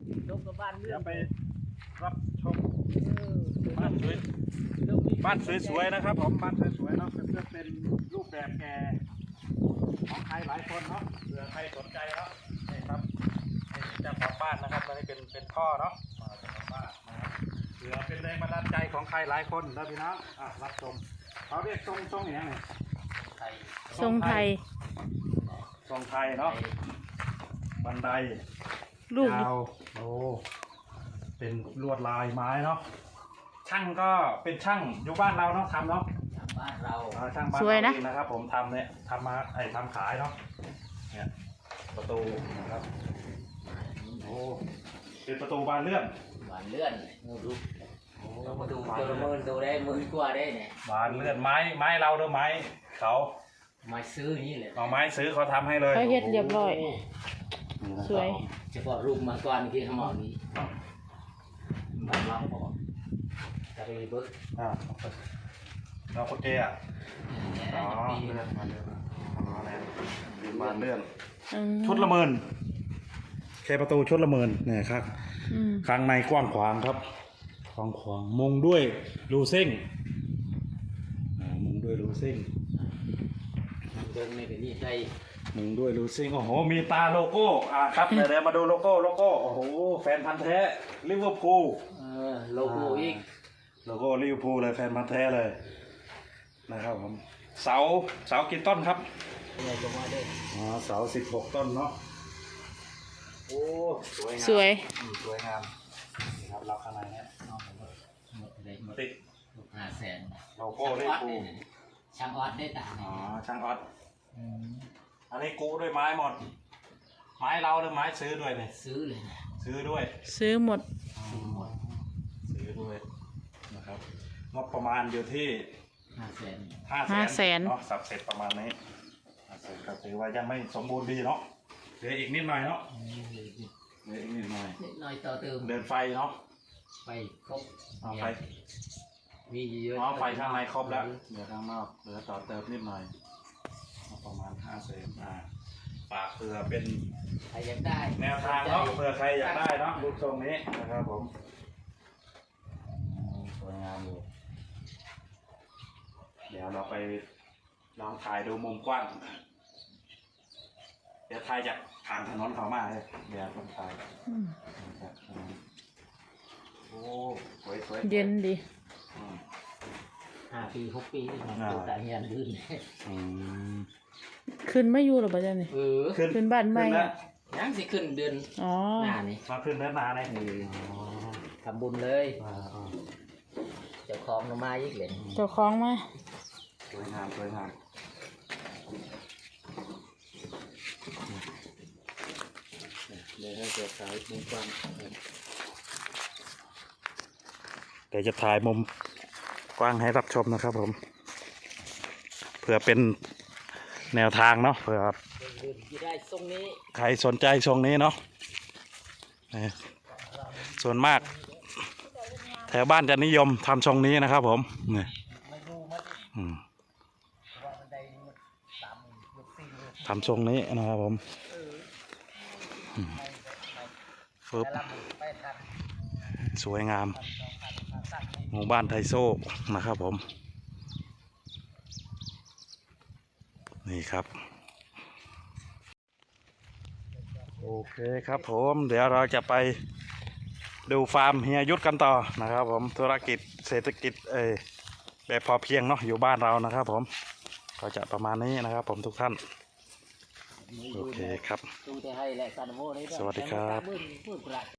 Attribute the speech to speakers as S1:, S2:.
S1: ลบกับบ้านเรื่
S2: เดี๋
S1: อย ง
S2: วไปรับชมบ้านสวยๆนะครับผมบ้านสวยๆเนาะเพื่อเป็นรูปแบบแก่ของใครหลายคนเนาะเผื่อใครสนใจเนาะนี่ครับนี่เจ้าของบ้านนะครับตอนนี้เป็นพ่อเนาะเจ้าของบ้านนะครับเผื่อเป็นแรงบันดาลใจของใครหลายคนนะพี่น้องรับชมเขาเรียกทรงอย่างไร
S3: ทรงไทย
S2: ทรงไทยเนาะบันได
S3: ลูก
S2: ยาวโอ้เป็นลวดลายไม้เนาะช่างก็เป็นช่างอยู่บ้านเราเนาะทำเนาะ
S1: บ้านเรา
S2: ช่างบ้านเราเองนะครับผมทำเนี่ยทำมาทำขายเนาะเนี่ยประตูนะครับโอ้เป็นประตูบานเลื่อน
S1: หวานเลื่อนดูเรามาดูตัวละ10,000ดูได้10,000กว่าได้เนี่ย
S2: บานเลื่อนไม้เราหรือไม้เขา
S1: มาซื้อนี่แหละ
S2: เอาไม้ซื้อเขาทำให้เลย
S3: เขาเฮ็ดเรียบร้อย สวย
S1: เฉพาะรูปมาก่อนที่ขมอนี้บ้านเราพอจะไปเบิก
S2: เราโอเคอ่ะอ๋อเลื่อนมาเลื่อนอ๋อเนี่ยเป็นบานเลื่อน ชุดละ10,000แค่ประตูชุดละ10,000เนี่ยครับข้างในกว้างขวางครับกว้างขวางมุงด้วยรูเส้งมุงด้วยรูเส้ง
S1: เดินไม่เป็นนี่ใจ
S2: มุงด้วยรูเส้งโอ้โหมีตาโลโก้ครับเดี๋ยวมาดูโลโก้โอ้โหแฟนพันธ์แท้ลิเวอร์พูล
S1: โลโก้อีก
S2: โลโก้ลิเวอร์พูลเลยแฟนพันธ์แท้เลยนะครับผมเสากี่ต้นครับ
S1: อะไรก็มาได้
S2: เสา16 ต้นเนาะโอ้สวยงาม
S3: สวย
S2: สวยงามนี่ครับรับข้างในเนี่ย
S1: หมดเลยหมด
S2: ติด
S1: 500,000
S2: โลโก้ลิเวอร์พูล
S1: ช่างออดได้ต่าง
S2: ช่างออดอันนี้กู้ด้วยไม้หมด ไม้เราหรือไม้ซื้อด้วยเนี่ย
S1: ซื้อเลยนะ
S2: ซื้อด้วย
S3: ซื้อหมด
S1: หมด
S2: ซื้อด้วยนะครับงบประมาณอยู่ที่
S1: 500,000
S2: 500,000เนาะสับเสร็จประมาณนี้ก็ถือว่ายังไม่สมบูรณ์ดีเนาะเหลืออีกนิดหน่อยเนาะเหลืออีกนิดหน่อย
S1: นิดหน่อยต่อเติม
S2: เดินไฟเนาะ
S1: ไปครบ
S2: เอาไฟ
S1: มีเยอะ
S2: ไฟข้างในครบแล้วเหลือข้างนอกเหลือต่อเติมนิดหน่อยประมาณ500,000ฝากเผื่อเป็น
S1: ใครอยากได้
S2: แนวทางเนาะเผื่อใครอยากได้เนาะรูปทรงนี้นะครับผมสวยงามอยู่เดี๋ยวเราไปลองถ่ายดูมุมกว้างเดี๋ยวถ่ายจากทางถนนเขามาเลยเดี๋ยวต้องถ่ายโอ้สวย
S3: เย็นดี
S1: 5 ปี 6 ปีมันตัวแต่เฮียนลื่น
S3: ขึ้นไม่อยู่หรอปะจ๊ะนี่ ขึ้นบ้านใหม่อะ
S1: ยังสิขึ้นเดือน
S3: อ๋อ
S1: หน้านี่
S2: มาขึ้นเนื้อนาเลย
S1: ทำบุญเลยเจ้าของมาอีกเลย
S3: เจ้าของมา
S2: สวยงาม
S1: เดี๋ยวให้เกิดสายมุมกว้าง
S2: เดี๋ยวจะถ่ายมุมกว้างให้รับชมนะครับผมเพื่อเป็นแนวทางเนาะเผื่อ
S1: ที่ได้ทรงนี้
S2: ใครสนใจทรงนี้เนาะส่วนมากแถวบ้านจะนิยมทำทรงนี้นะครับผมนี่ทำทรงนี้นะครับผมฟึบสวยงามหมู่บ้านไทโซ่นะครับผมนี่ครับโอเคครับผมเดี๋ยวเราจะไปดูฟาร์มเฮียยุทธกันต่อนะครับผมธุรกิจเศรษฐกิจแบบพอเพียงเนาะอยู่บ้านเรานะครับผมก็จะประมาณนี้นะครับผมทุกท่านโอเคครับสวัสดีครับ